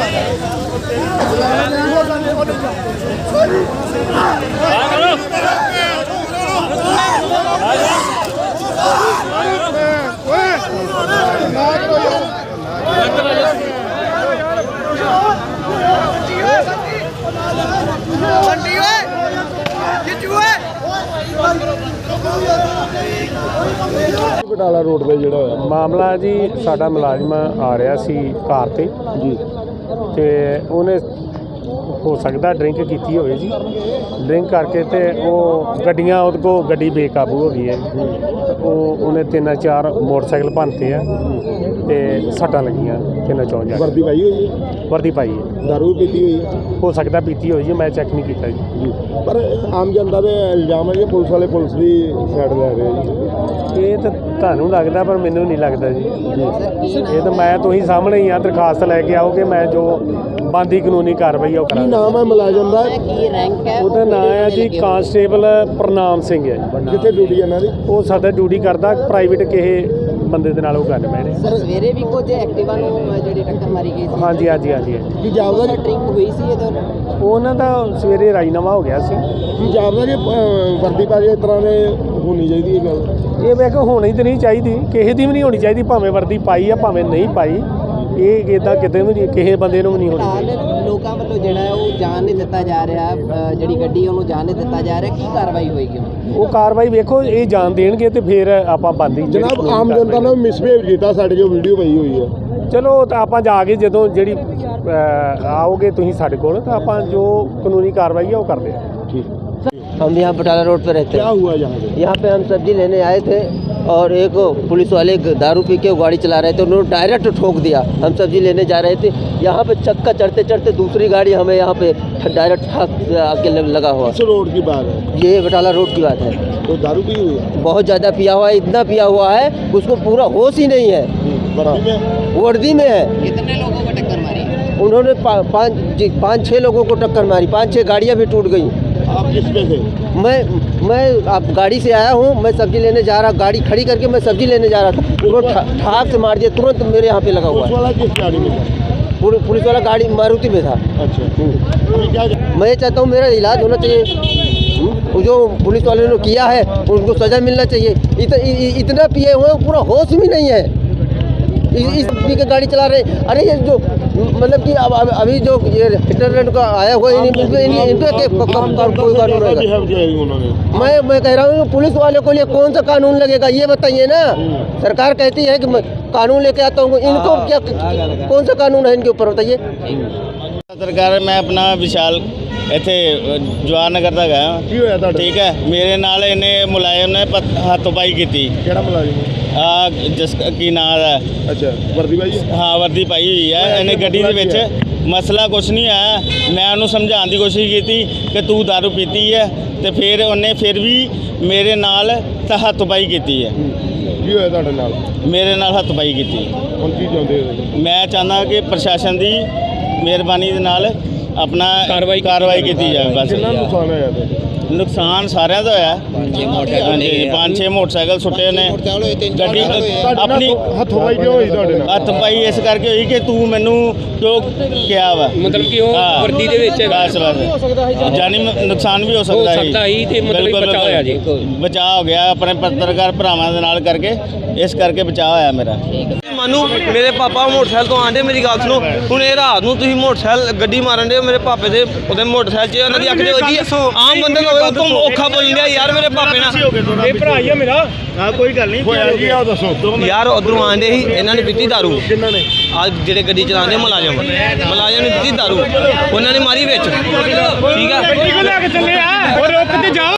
Batala road पे ਜਿਹੜਾ ਹੋਇਆ ਮਾਮਲਾ ਜੀ, ਸਾਡਾ ਮੁਲਾਜ਼ਮ ਆ ਰਿਹਾ ਸੀ ਕਾਰ ਤੇ ਜੀ, ਤੇ ਉਹਨੇ ਹੋ ਸਕਦਾ ਡਰਿੰਕ ਕੀਤੀ ਹੋਵੇ ਜੀ। ਡਰਿੰਕ ਕਰਕੇ ਤੇ ਉਹ ਗੱਡੀਆਂ ਉਹਦੇ ਕੋਲ ਗੱਡੀ ਬੇਕਾਬੂ ਹੋ ਗਈ ਹੈ। ਉਹਨੇ 3-4 ਮੋਟਰਸਾਈਕਲ ਭੰਨਤੇ ਆ ਤੇ ਸੱਟਾਂ ਲੱਗੀਆਂ 3-4 ਜਾ। ਵਰਦੀ ਪਾਈ ਹੋਈ ਹੈ? ਵਰਦੀ ਪਾਈ ਹੈ। ਦਾਰੂ ਪੀਤੀ ਹੋਈ ਹੈ? ਹੋ ਸਕਦਾ ਪੀਤੀ ਹੋਈ ਜੀ, ਮੈਂ ਚੈੱਕ ਨਹੀਂ ਕੀਤਾ ਜੀ। ਪਰ ਆਮ ਜਨਤਾ ਦੇ ਇਲਜ਼ਾਮ ਹੈ ਕਿ ਪੁਲਿਸ ਵਾਲੇ ਪੁਲਿਸ ਦੀ ਸਾਈਡ ਲੈ ਰਹੇ ਜੀ। ਇਹ ਤਾਂ ਤੁਹਾਨੂੰ ਲੱਗਦਾ, ਪਰ ਮੈਨੂੰ ਨਹੀਂ ਲੱਗਦਾ ਜੀ। ਇਹ ਤਾਂ ਮੈਂ ਤੁਸੀਂ ਸਾਹਮਣੇ ਹੀ ਆ, ਦਰਖਾਸਤ ਲੈ ਕੇ ਆਓਗੇ, ਮੈਂ ਜੋ ਬਣਦੀ ਕਾਨੂੰਨੀ ਕਾਰਵਾਈ ਉਹ ਕੀ ਕਰਾਂਗਾ। ਨਾਮ ਹੈ ਮੁਲਾਜ਼ਮ ਦਾ? ਉਹਦਾ ਨਾਮ ਹੈ ਜੀ ਕਾਂਸਟੇਬਲ ਪ੍ਰਨਾਮ ਸਿੰਘ ਹੈ। ਕਿੱਥੇ ਡਿਊਟੀ ਇਹਨਾਂ ਦੀ? ਉਹ ਸਾਡਾ ਡਿਊਟੀ ਕਰਦਾ ਪ੍ਰਾਈਵੇਟ ਕਿਸੇ ਬੰਦੇ ਦੇ ਨਾਲ ਉਹ ਗੱਲ ਬੈਠੇ। ਸਰ ਸਵੇਰੇ ਵੀ ਕੁਝ ਐਕਟਿਵਾ ਨੂੰ ਜਿਹੜੀ ਟੱਕਰ ਮਾਰੀ ਗਈ ਸੀ। ਹਾਂਜੀ ਹਾਂਜੀ ਹਾਂਜੀ। ਕੀ ਜਾਪਦਾ ਜੀ ਡਰਿੰਕ ਹੋਈ ਸੀ ਇਹਦੇ ਨਾਲ? ਉਹਨਾਂ ਦਾ ਸਵੇਰੇ ਰਾਜੀਨਾਮਾ ਹੋ ਗਿਆ ਸੀ। ਕੀ ਜਾਪਦਾ ਜੀ ਵਰਦੀ ਪਾ ਕੇ ਇਸ ਤਰ੍ਹਾਂ ਦੇ ਹੋਣੀ ਚਾਹੀਦੀ ਹੈ ਗੱਲ? ਇਹ ਮੈਂ ਕਿਹਾ ਹੋਣੀ ਤਾਂ ਨਹੀਂ ਚਾਹੀਦੀ, ਕਿਸੇ ਦੀ ਵੀ ਨਹੀਂ ਹੋਣੀ ਚਾਹੀਦੀ, ਭਾਵੇਂ ਵਰਦੀ ਪਾਈ ਆ ਭਾਵੇਂ ਨਹੀਂ ਪਾਈ। ਇਹ ਇੱਦਾਂ ਕਿਤੇ ਵੀ ਨਹੀਂ, ਕਿਸੇ ਬੰਦੇ ਨੂੰ ਵੀ ਨਹੀਂ ਹੋਣੀ ਚਾਹੀਦੀ। ਲੋਕਾਂ ਵੱਲੋਂ ਜਿਹੜਾ ਹੈ ਉਹ ਜਾਣ ਨਹੀਂ ਦਿੱਤਾ ਜਾ ਰਿਹਾ, ਜਿਹੜੀ ਗੱਡੀ ਉਹਨੂੰ ਜਾਣ ਨਹੀਂ ਦਿੱਤਾ ਜਾ ਰਿਹਾ, ਕੀ ਕਾਰਵਾਈ ਹੋਏਗੀ? ਉਹ ਕਾਰਵਾਈ ਵੇਖੋ, ਇਹ ਜਾਣ ਦੇਣਗੇ ਤੇ ਫਿਰ ਆਪਾਂ ਬੰਦੀ। ਜਨਾਬ, ਆਮ ਜਨਤਾ ਨੇ ਮਿਸਬਿਹੇਵ ਕੀਤਾ ਸਾਡੇ ਜੋ ਵੀਡੀਓ ਪਈ ਹੋਈ ਹੈ। ਚਲੋ ਤਾਂ ਆਪਾਂ ਜਾ ਕੇ ਜਦੋਂ ਜਿਹੜੀ आओगे ਤੁਸੀਂ ਸਾਡੇ ਕੋਲ, ਤਾਂ ਆਪਾਂ ਜੋ ਕਾਨੂੰਨੀ ਕਾਰਵਾਈ है वो कर दे। ठीक। हम यहाँ बटाला रोड पे रहते क्या हैं। हुआ यहाँ पे? यहाँ पे हम सब्जी लेने आए थे और एक पुलिस वाले दारू पी के गाड़ी चला रहे थे, उन्होंने डायरेक्ट ठोक दिया। हम सब्जी लेने जा रहे थे, यहाँ पे चक्का चढ़ते चढ़ते दूसरी गाड़ी हमें यहाँ पे डायरेक्ट आके लगा हुआ। किस रोड की बात है? ये बटाला रोड की बात है। तो दारू पी हुई है? बहुत ज़्यादा पिया हुआ है, इतना पिया हुआ है उसको पूरा होश ही नहीं है। वर्दी में है। कितने लोगों को टक्कर मारी? उन्होंने 5-6 लोगों को टक्कर मारी, 5-6 गाड़ियाँ भी टूट गई। आप किस पे थे? मैं आप गाड़ी से आया हूँ, मैं सब्जी लेने जा रहा, गाड़ी खड़ी करके मैं सब्जी लेने जा रहा था, उन्होंने ठाक से मार दिया, तुरंत मेरे यहाँ पे लगा हुआ पुलिस वाला किस गाड़ी में था? पुलिस वाला गाड़ी मारुति में था। अच्छा। अभी क्या मैं चाहता हूँ मेरा इलाज होना चाहिए, जो पुलिस वाले ने किया है उनको सज़ा मिलना चाहिए। इतना पिए हुए पूरा होश भी नहीं है, इस पी के गाड़ी चला रहे। अरे ये जो मतलब कि अब अभी जो ये इंटरनेट का आया हुआ है, कोई कानून रहेगा? मैं कह रहा हूँ पुलिस वाले को लिए कौन सा कानून लगेगा ये बताइए ना। सरकार कहती है कि मैं कानून लेके आता हूँ, इनको क्या कौन सा कानून है इनके ऊपर बताइए। सरकार मैं अपना विशाल ਇੱਥੇ ਜਵਾਹਰ ਨਗਰ ਦਾ ਗਿਆ। ਕੀ ਹੋਇਆ ਤੁਹਾਡਾ? ਠੀਕ ਹੈ, ਮੇਰੇ ਨਾਲ ਇਹਨੇ ਮੁਲਾਜ਼ਮ ਨੇ ਹੱਥੋਂ-ਪਾਈ ਕੀਤੀ। ਕਿਹੜਾ ਮੁਲਾਜ਼ਮ? ਆ ਜਿਸ ਕੀ ਨਾਂ ਹੈ? ਅੱਛਾ, ਵਰਦੀ ਪਾਈ ਹੈ? ਹਾਂ, ਵਰਦੀ ਪਾਈ ਹੋਈ ਹੈ। ਇਹਨੇ ਗੱਡੀ ਦੇ ਵਿੱਚ ਮਸਲਾ ਕੁਛ ਨਹੀਂ ਆਇਆ। ਮੈਂ ਉਹਨੂੰ ਸਮਝਾਉਣ ਦੀ ਕੋਸ਼ਿਸ਼ ਕੀਤੀ ਕਿ ਤੂੰ ਦਾਰੂ ਪੀਤੀ ਹੈ, ਤੇ ਫਿਰ ਉਹਨੇ ਫਿਰ ਵੀ ਮੇਰੇ ਨਾਲ ਹੱਥੋਂ-ਪਾਈ ਕੀਤੀ ਹੈ। ਕੀ ਹੋਇਆ ਤੁਹਾਡੇ ਨਾਲ? ਮੇਰੇ ਨਾਲ ਹੱਥੋਂ-ਪਾਈ ਕੀਤੀ। ਹੁਣ ਕੀ ਚਾਹੁੰਦੇ ਹੋ? ਮੈਂ ਚਾਹੁੰਦਾ ਕਿ ਪ੍ਰਸ਼ਾਸਨ ਦੀ ਮਿਹਰਬਾਨੀ ਦੇ ਨਾਲ अपना कार्रवाई की जाए। बस कितना नुकसान होया था? नुकसान सारे का होया। 5-6 मोटरसाइकिल सुटे ने, गड्डी अपनी हथोपाई क्यों हुई ਤੁਹਾਡੇ ਨਾਲ? हथपाई इस करके हुई कि तू मैनू क्यों क्या वा, मतलब कि वर्दी दे विच बस जानी नुकसान भी हो सकता है। मतलब बचाव होया जी, बचाव हो गया अपने पत्रकार भरावां दे नाल करके, इस करके बचाव होया मेरा। मानू मेरे पापा मोटरसाइकिल तो आंदे, मेरी गल सुनो, हुण ये रात नूं तुसीं मोटरसाइकिल गड्डी मारन दे, मेरे पापे दे ओदे मोटरसाइकिल च उन्हां दी अख दे वजी। आम बंदे नु होवे तुम औखा बोल लिया यार, मेरे पापे ना ये भरा ही है मेरा। हां कोई गल नहीं होया जी, आ दसो यार उधरों आंदे ही इन्हां ने पीती दारू। किन्हां ने? आज जेड़े गड्डी चलांदे मुलाजम ने पीती दारू, उन्हां ने मारी विच। ठीक है, गड्डी को लेके चले आ और रुक ते जा।